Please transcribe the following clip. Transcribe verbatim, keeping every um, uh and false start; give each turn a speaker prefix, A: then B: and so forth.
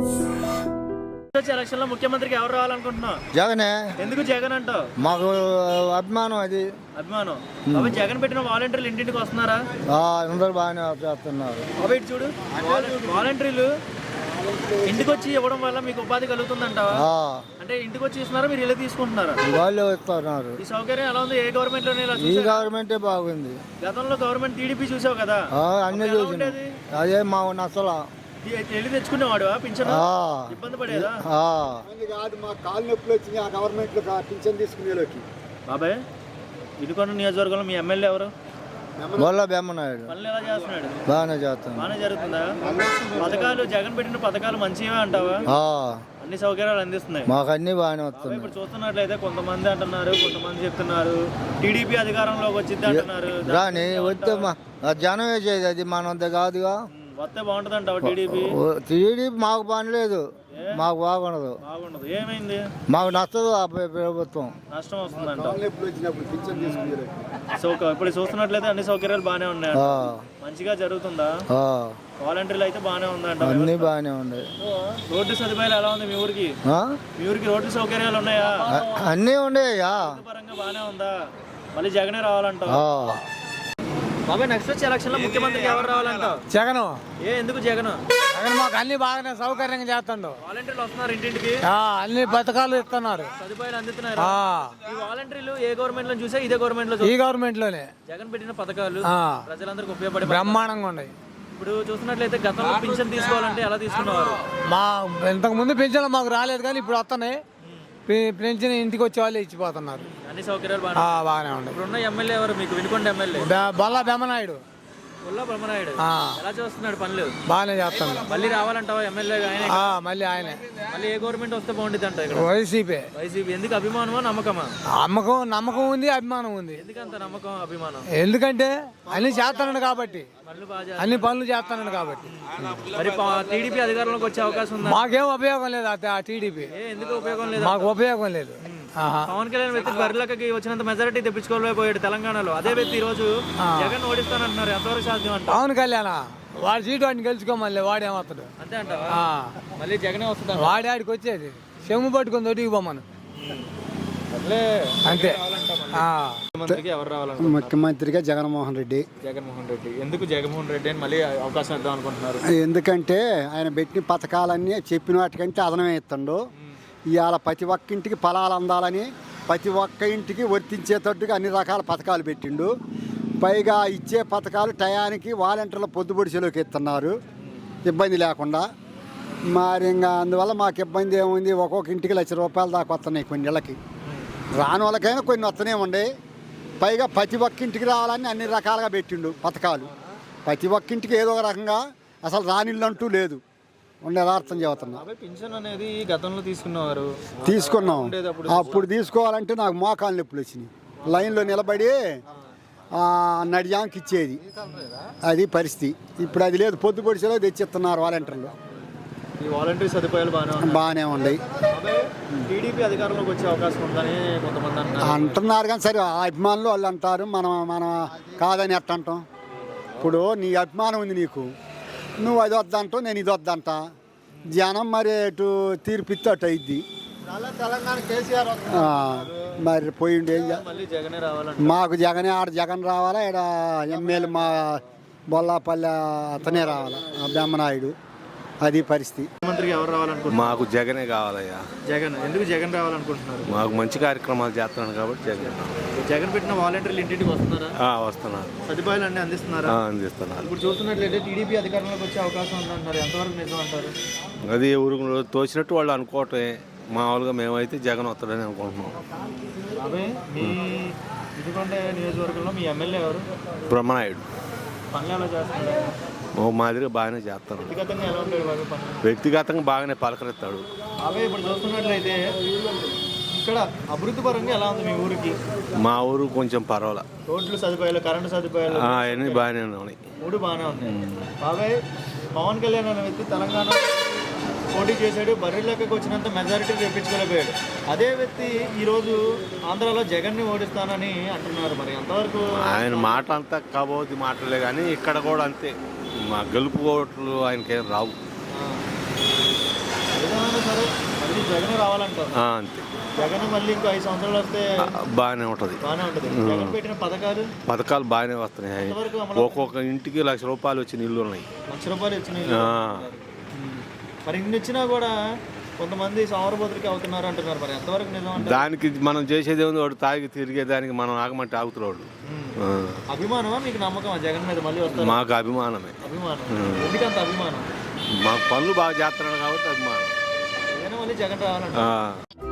A: Election లో ముఖ్యమంత్రికి ఎవరు రావాలనుకుంటున్నావు?
B: జగనే.
A: ఎందుకు జగన్ అంటావు?
B: మాకు అభిమానం, అది
A: అభిమానం. అవి జగన్ పెట్టిన వాలంటీర్లు ఇంటింటికి వస్తున్నారా?
B: అందరూ బాగానే చేస్తున్నారు.
A: అవి చూడు, వాలంటీర్లు ఇంటికి వచ్చి ఇవ్వడం వల్ల మీకు ఉపాధి కలుగుతుందంటావా? అంటే ఇంటికి వచ్చి ఇస్తున్నారా, మీరు ఇల్లు తీసుకుంటున్నారా?
B: వాళ్ళు ఇస్తున్నారు.
A: ఈ సౌకర్యం ఎలా ఉంది? ఏ గవర్నమెంట్ లోనే?
B: ఈ గవర్నమెంటే బాగుంది.
A: గతంలో గవర్నమెంట్ టీడీపీ చూసావు కదా,
B: అన్ని చూసి అదే మా నచ్చలా.
A: వెళ్ళి తెచ్చుకునేవాడు పింఛన్, ఇబ్బంది పడేదా?
B: కాదు, మా కాలు నొప్పులు వచ్చింది ఆ గవర్నమెంట్ లో పింఛన్ తీసుకునేలోకి.
A: బాబాయ్, ఇదికొండ నియోజకవర్గంలో మీ ఎమ్మెల్యే ఎవరు?
B: బొల్ల బెమ్మనాయుడు.
A: పనులు ఎలా చేస్తున్నాడు?
B: బాగానే చేస్తాను.
A: బాగానే జరుగుతుందా? పథకాలు జగన్ పెట్టిన పథకాలు మంచివే అంటావా? అన్ని సౌకర్యాలు అందిస్తున్నాయి
B: మాకు, అన్ని బాగానే వస్తున్నాయి.
A: ఇప్పుడు చూస్తున్నట్లయితే కొంతమంది అంటున్నారు, కొంతమంది చెప్తున్నారు టీడీపీ అధికారంలోకి వచ్చింది అంటున్నారు.
B: రాని వస్తే జనం వేసేది, అది మనంత కాదుగా.
A: వస్తే బాగుంటుంది అంటావా టీడీపీ?
B: టీడీపీ మాకు పని లేదు, మాకు బాగుండదు.
A: బాగుండదు. ఏమైంది?
B: మాకు నచ్చదు ఆ ప్రభుత్వం.
A: నష్టం వస్తుందంట. సో ఇప్పుడు చూస్తున్నట్లయితే అన్ని సౌకర్యాలు బాగానే ఉన్నాయి, మంచిగా జరుగుతుందా? వాలంటీర్లు అయితే బాగానే ఉందంట.
B: అన్ని బాగానే ఉన్నాయి.
A: రోడ్డు సదుపాయాలు ఎలా ఉంది మీ ఊరికి? మీ ఊరికి రోడ్డు సౌకర్యాలు ఉన్నాయా?
B: అన్నీ ఉన్నాయా.
A: పరంగా బాగానే ఉందా? మళ్ళీ జగనే రావాలంట. బాబాయ్, నెక్స్ట్ వచ్చే ఎలక్షన్ లో ముఖ్యమంత్రికి ఎవరు రావాలంటావు?
C: జగన్.
A: ఏ ఎందుకు జగన్?
C: జగన్ మాకు అన్ని బాగానే సౌకర్యంగా చేస్తాడు.
A: వాలంటీర్లు వస్తున్నారు ఇంటింటికి,
C: అన్ని పథకాలు ఇస్తున్నారు,
A: సదుపాయాలు అందుతున్నారు. ఈ వాలంటీర్లు ఏ గవర్నమెంట్ లో చూసా ఇదే గవర్నమెంట్ లో?
C: ఈ గవర్నమెంట్ లోనే
A: జగన్ పెట్టిన పథకాలు ప్రజలందరికీ ఉపయోగపడే
C: బ్రహ్మాండంగా ఉన్నాయి.
A: ఇప్పుడు చూసినట్లయితే గతంలో పింఛన్ తీసుకోవాలంటే ఎలా తీసుకునేవారు?
C: మా ఇంతకు ముందు పింఛన్లు మాకు రాలేదు, కానీ ఇప్పుడు వస్తున్నాయి. పెన్షన్ ఇంటికి వచ్చే వాళ్ళు ఇచ్చిపోతున్నారు.
A: అన్ని సౌకర్యాలు
C: బాగానే ఉన్నాయి.
A: ఇప్పుడు ఉన్న ఎమ్మెల్యే ఎవరు మీకు? వినుకొండ ఎమ్మెల్యే
C: బొల్ల బెమ్మనాయుడు.
A: బొల్ల బెమ్మనాయుడు ఎలా చేస్తున్నాడు పనులు?
C: బాగానే చేస్తాడు.
A: మళ్ళీ రావాలంటావా ఎమ్మెల్యే? ఆయన
C: మళ్ళీ ఆయనే.
A: మళ్ళీ ఏ గవర్నమెంట్ వస్తే బాగుంటుంది అంట? ఇక్కడ
C: వైసీపీ.
A: వైసీపీ. ఎందుకు? అభిమానమా నమ్మకమా?
C: నమ్మకం నమ్మకం ఉంది, అభిమానం ఉంది.
A: ఎందుకంత నమ్మకం అభిమానం?
C: ఎందుకంటే అన్ని చేస్తున్నాడు కాబట్టి, అన్ని పనులు చేస్తున్నాడు కాబట్టి.
A: మరి టీడీపీ అధికారంలోకి వచ్చే అవకాశం ఉందా?
C: మాకేం ఉపయోగం లేదు ఆ టీడీపీ.
A: ఎందుకు ఉపయోగం లేదు?
C: మాకు ఉపయోగం లేదు.
A: పవన్ కళ్యాణ్ వ్యక్తి బరిలకి వచ్చినంత మెజారిటీ తెప్పించుకోలేకపోయాడు తెలంగాణలో. అదే వ్యక్తి ఈ రోజు జగన్ ఓడిస్తానంటున్నారు, ఎంతవరకు సాధ్యం అంట?
C: పవన్ కళ్యాణ్ వాడి సీటు వాడిని గెలుచుకోమని వాడేమవుతాడు
A: అంతే అంట. మళ్ళీ జగనే వస్తుంది.
C: వాడి ఆడికి వచ్చేది చెమ్ము పట్టుకుని దొరికి పోమను అంతే.
A: ఎవరు రావాలి?
B: ముఖ్యమంత్రిగా జగన్మోహన్ రెడ్డి.
A: జగన్మోహన్ రెడ్డి. ఎందుకు జగన్మోహన్ రెడ్డి అని మళ్ళీ అవకాశం ఇద్దాం అనుకుంటున్నారు?
B: ఎందుకంటే ఆయన పెట్టిన పథకాలన్నీ చెప్పిన వాటికంటే అదనమే ఇస్తుండు. ఇవాళ ప్రతి ఒక్క ఇంటికి ఫలాలు అందాలని ప్రతి ఒక్క ఇంటికి వర్తించేటట్టుగా అన్ని రకాల పథకాలు పెట్టిండు. పైగా ఇచ్చే పథకాలు టయానికి వాలంటీర్ల పొద్దుపొడిచేలోకి ఇస్తున్నారు, ఇబ్బంది లేకుండా. మరి ఇంకా అందువల్ల మాకు ఇబ్బంది ఏముంది? ఒక్కొక్క ఇంటికి లక్ష రూపాయలు దాకా వస్తున్నాయి కొన్ని ఇళ్ళకి. రాని వాళ్ళకైనా కొన్ని వస్తూనే ఉండే. పైగా ప్రతి ఒక్క ఇంటికి రావాలని అన్ని రకాలుగా పెట్టిండు పథకాలు. ప్రతి ఒక్క ఇంటికి ఏదో ఒక రకంగా, అసలు రానిళ్ళు అంటూ లేదు. ఉండేది అర్థం చెబుతున్నా.
A: పింఛన్ అనేది గతంలో తీసుకున్నారు,
B: తీసుకున్నాం. అప్పుడు తీసుకోవాలంటే నాకు మోకాలు నొప్పులు వచ్చినాయి. లైన్లో నిలబడి నడియానికి ఇచ్చేది, అది పరిస్థితి. ఇప్పుడు అది లేదు, పొద్దు పొడిచేలో తెచ్చిస్తున్నారు వాలంటీర్లు.
A: ఈ వాలంటీర్ సదుపాయాలు బాగానే
B: బాగానే ఉన్నాయి.
A: టీడీపీ అధికారంలోకి వచ్చే అవకాశం ఉందని కొంతమంది అంటున్నారు.
B: అంటున్నారు కానీ సరే, ఆ అభిమానులు వాళ్ళు అంటారు, మనం మనం కాదని ఎట్ట అంటాం? ఇప్పుడు నీ అభిమానం ఉంది నీకు, నువ్వు అది వద్దంటావు, నేను ఇది వద్దంట. జనం మరి అటు తీర్పిస్తే అటు అయింది. మరి పోయిండే మాకు జగనే, ఆడ జగన్ రావాలా, ఇక్కడ ఎమ్మెల్యే మా బొల్లాపల్లె అతనే రావాలా, బెమ్మనాయుడు. అది పరిస్థితి.
A: ముఖ్యమంత్రికి ఎవరు రావాలనుకుంటున్నారు?
D: మాకు జగనే కావాలయ్యా.
A: జగన్. ఎందుకు జగన్ రావాలనుకుంటున్నారు?
D: మాకు మంచి కార్యక్రమాలు చేస్తున్నాడు కాబట్టి జగన్.
A: జగన్ పెట్టిన వాలంటీర్లు ఇంటింటికి వస్తున్నారా?
D: వస్తున్నారు.
A: సదుపాయాలు అన్ని అందిస్తున్నారా?
D: అందిస్తున్నారు.
A: ఇప్పుడు చూస్తున్నట్లయితే టీడీపీ అధికారంలోకి వచ్చే అవకాశం ఉందంటారు, ఎంతవరకు నిజం అంటారు?
D: అది ఎవరు తోచినట్టు వాళ్ళు అనుకోవటమే. మామూలుగా మేమైతే జగన్ వస్తాడని అనుకుంటున్నాం.
A: అదే మీ వినుకొండ నియోజకవర్గంలో మీ ఎమ్మెల్యే ఎవరు?
D: బ్రహ్మనాయుడు.
A: పనులు ఎలా చేస్తున్నాడు?
D: ఓ మాదిరిగా బాగానే చేస్తాడు.
A: వ్యక్తిగతంగా ఎలా ఉంటాడు బాబు పనులు?
D: వ్యక్తిగతంగా బాగానే పలకరిస్తాడు.
A: అవే ఇప్పుడు చూస్తున్నట్లయితే ఇక్కడ అభివృద్ధి పరంగా ఎలా ఉంది మీ ఊరికి?
D: మా ఊరు కొంచెం పర్వాలా.
A: రోడ్లు సదుపాయాలు, కరెంటు సదుపాయాలు
D: అవన్నీ బాగానే ఉన్నాయి.
A: మూడు బాగానే ఉన్నాయి. బాబాయ్, పవన్ కళ్యాణ్ అనే వ్యక్తి తెలంగాణ పోటీ చేశాడు, బర్రెలకి వచ్చినంత మెజారిటీ తెప్పించుకోలేకపోయాడు. అదే వ్యక్తి ఈరోజు ఆంధ్రాలో జగన్ని ఓడిస్తానని అంటున్నారు. మరి ఎంతవరకు?
D: ఆయన మాట అంతా కాబోది మాటలే, కానీ ఇక్కడ కూడా అంతే. మా గెలుపు ఓట్లు ఆయనకేం రావు.
A: జగన్ రావాలంటారు.
D: ఆ, అంతే
A: జగన్ మళ్ళీ ఇంకో ఐదు సంవత్సరాలు వస్తే
D: బాగానే ఉంటుంది.
A: బాగానే ఉంటుంది. జగన్ పెట్టిన పథకాలు
D: పథకాలు బాగానే వస్తున్నాయి.
A: ఎంతవరకు అమలు?
D: ఒక్కొక్క ఇంటికి లక్ష రూపాయలు వచ్చిన ఇల్లు ఉన్నాయి.
A: లక్ష రూపాయలు ఇచ్చినాయి.
D: ఆ.
A: మరి ఇన్ని ఇచ్చినా కూడా కొంతమంది సౌరభద్రకి అవుతున్నారు అంటున్నారు. మరి ఎంతవరకు నిజం అంటారు?
D: దానికి మనం చేసేది ఉంది, వాడు తాగి తిరిగేదానికి మనం ఆగమంటే ఆగుతున్నాడు. ఆ.
A: అభిమానమా మీకు నమ్మకమా జగన్ మీద మళ్ళీ వస్తారు?
D: మాకు అభిమానమే.
A: అభిమానం. ఎందుకంత అభిమానం?
D: మాకు పనులు బాగా చేస్తున్నాడు కాబట్టి అభిమానం.
A: జగన్ మళ్ళీ జగన్ రావాలంట.
D: ఆ.